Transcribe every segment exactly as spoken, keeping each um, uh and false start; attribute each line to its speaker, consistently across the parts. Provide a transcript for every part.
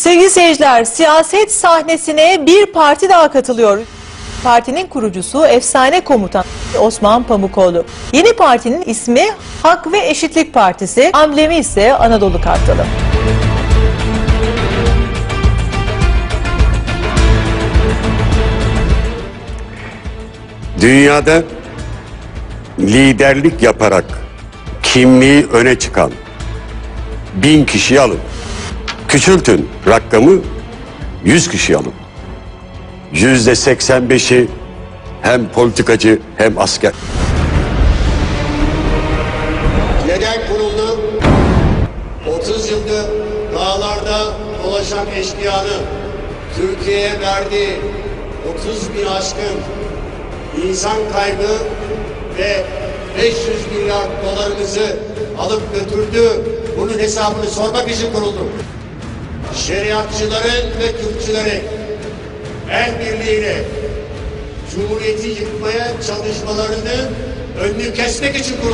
Speaker 1: Sevgili seyirciler, siyaset sahnesine bir parti daha katılıyor. Partinin kurucusu efsane komutan Osman Pamukoğlu. Yeni partinin ismi Hak ve Eşitlik Partisi, amblemi ise Anadolu Kartalı.
Speaker 2: Dünyada liderlik yaparak kimliği öne çıkan bin kişiyi alın. Küçültün rakamı, yüz kişi alın. Yüzde seksen beşi hem politikacı hem asker.
Speaker 3: Neden kuruldu? otuz yıldır dağlarda dolaşan eşkıyanın Türkiye'ye verdiği otuz bin aşkın insan kaybı ve beş yüz milyar dolarımızı alıp götürdü. Bunun hesabını sormak için kuruldu. Şeriatçıların ve Kürtçülerin el birliğiyle Cumhuriyeti yıkmaya çalışmalarının önünü kesmek için kuruldu.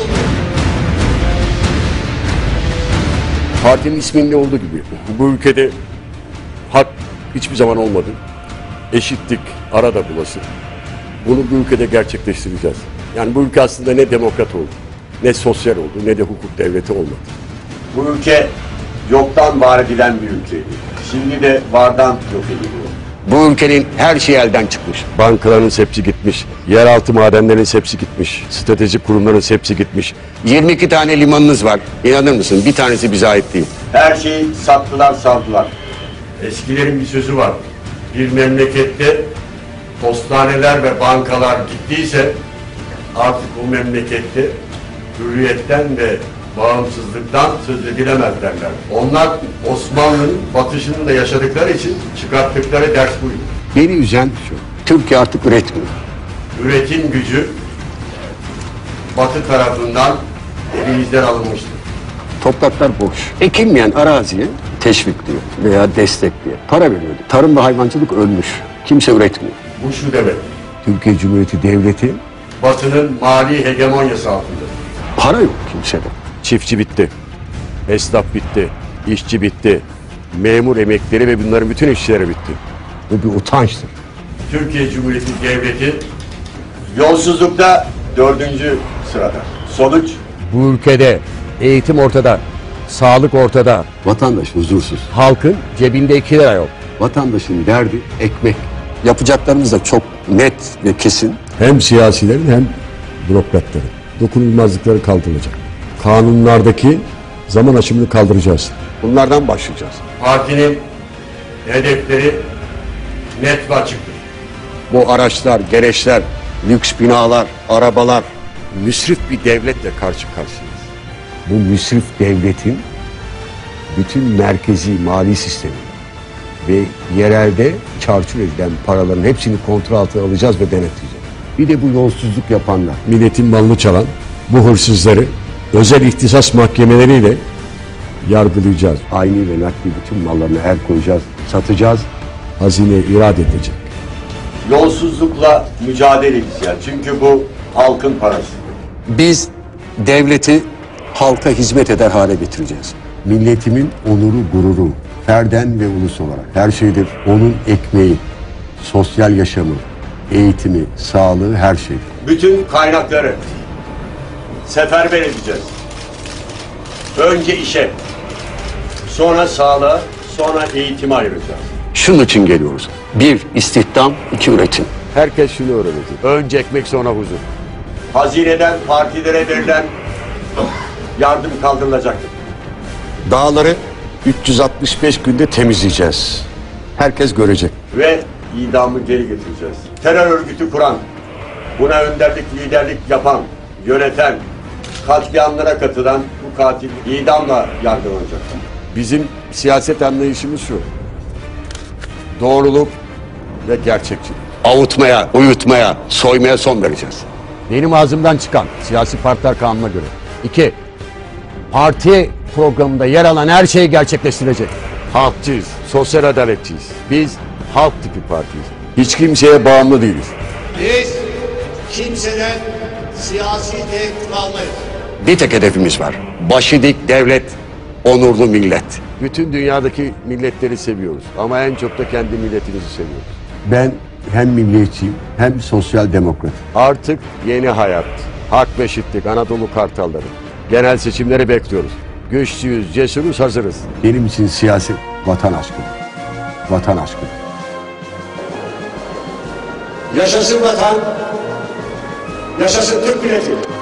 Speaker 2: Partinin isminde olduğu gibi bu ülkede hak hiçbir zaman olmadı. Eşitlik arada bulası. Bunu bu ülkede gerçekleştireceğiz. Yani bu ülke aslında ne demokrat oldu, ne sosyal oldu, ne de hukuk devleti olmadı. Bu ülke yoktan var edilen bir ülkeydi. Şimdi de vardan yok ediliyor. Bu ülkenin her şeyi elden çıkmış. Bankaların hepsi gitmiş, yeraltı madenlerin hepsi gitmiş, stratejik kurumların hepsi gitmiş. yirmi iki tane limanınız var. İnanır mısın? Bir tanesi bize ait değil. Her şeyi sattılar, savdılar. Eskilerin bir sözü var. Bir memlekette postaneler ve bankalar gittiyse artık bu memlekette hürriyetten ve bağımsızlıktan söz edilemez derler. Onlar Osmanlı'nın batışını da yaşadıkları için çıkarttıkları ders buydu. Beni üzen şu, Türkiye artık üretmiyor. Üretim gücü Batı tarafından elimizden alınmıştır. Topraklar boş. Ekilmeyen araziye teşvikliyor veya destekliyor. Para veriyordu. Tarım ve hayvancılık ölmüş. Kimse üretmiyor. Bu şu demek. Türkiye Cumhuriyeti Devleti Batı'nın mali hegemonyası altında. Para yok kimsede. Çiftçi bitti, esnaf bitti, işçi bitti, memur emekleri ve bunların bütün işçileri bitti. Bu bir utançtır. Türkiye Cumhuriyeti Devleti yolsuzlukta dördüncü sırada. Sonuç? Bu ülkede eğitim ortada, sağlık ortada. Vatandaş huzursuz. Halkın cebinde iki lira yok. Vatandaşın derdi ekmek. Yapacaklarımız da çok net ve kesin. Hem siyasilerin hem bürokratların dokunulmazlıkları kaldırılacak. Kanunlardaki zaman aşımını kaldıracağız. Bunlardan başlayacağız. Partinin hedefleri net ve açıktır. Bu araçlar, gereçler, lüks binalar, arabalar, müsrif bir devletle karşı karşıyayız. Bu müsrif devletin bütün merkezi mali sistemi ve yerelde çarçur edilen paraların hepsini kontrol altına alacağız ve denetleyeceğiz. Bir de bu yolsuzluk yapanlar, milletin malını çalan bu hırsızları özel ihtisas mahkemeleriyle yargılayacağız. Ayni ve nakli bütün mallarına el koyacağız, satacağız, hazine irade edecek. Yolsuzlukla mücadele edeceğiz. Çünkü bu halkın parası. Biz devleti halka hizmet eder hale getireceğiz. Milletimin onuru, gururu, ferden ve ulus olarak her şeydir. Onun ekmeği, sosyal yaşamı, eğitimi, sağlığı, her şey. Bütün kaynakları seferber edeceğiz. Önce işe, sonra sağlığa, sonra eğitime ayıracağız. Şunun için geliyoruz. Bir, istihdam, iki, üretim. Herkes şunu öğrenecek. Önce ekmek, sonra huzur. Hazineden partilere verilen yardım kaldırılacaktır. Dağları üç yüz altmış beş günde temizleyeceğiz. Herkes görecek. Ve idamı geri getireceğiz. Terör örgütü kuran, buna önderlik, liderlik yapan, yöneten, katliamlara katılan bu katil idamla yargılanacak. Bizim siyaset anlayışımız şu. Doğruluk ve gerçekçilik. Avutmaya, uyutmaya, soymaya son vereceğiz. Benim ağzımdan çıkan siyasi partiler kanununa göre. İki, parti programında yer alan her şeyi gerçekleştirecek. Halkçıyız, sosyal adaletçiyiz. Biz halk tipi partiyiz. Hiç kimseye bağımlı değiliz.
Speaker 3: Biz kimseden siyasi tehdit almayız.
Speaker 2: Bir tek hedefimiz var. Başı dik devlet, onurlu millet. Bütün dünyadaki milletleri seviyoruz ama en çok da kendi milletimizi seviyoruz. Ben hem milliyetçiyim hem sosyal demokrat. Artık yeni hayat, hak ve eşitlik, Anadolu Kartalları. Genel seçimleri bekliyoruz. Güçlüyüz, cesuruz, hazırız. Benim için siyaset vatan aşkıdır. Vatan aşkıdır.
Speaker 3: Yaşasın vatan, yaşasın Türk milleti.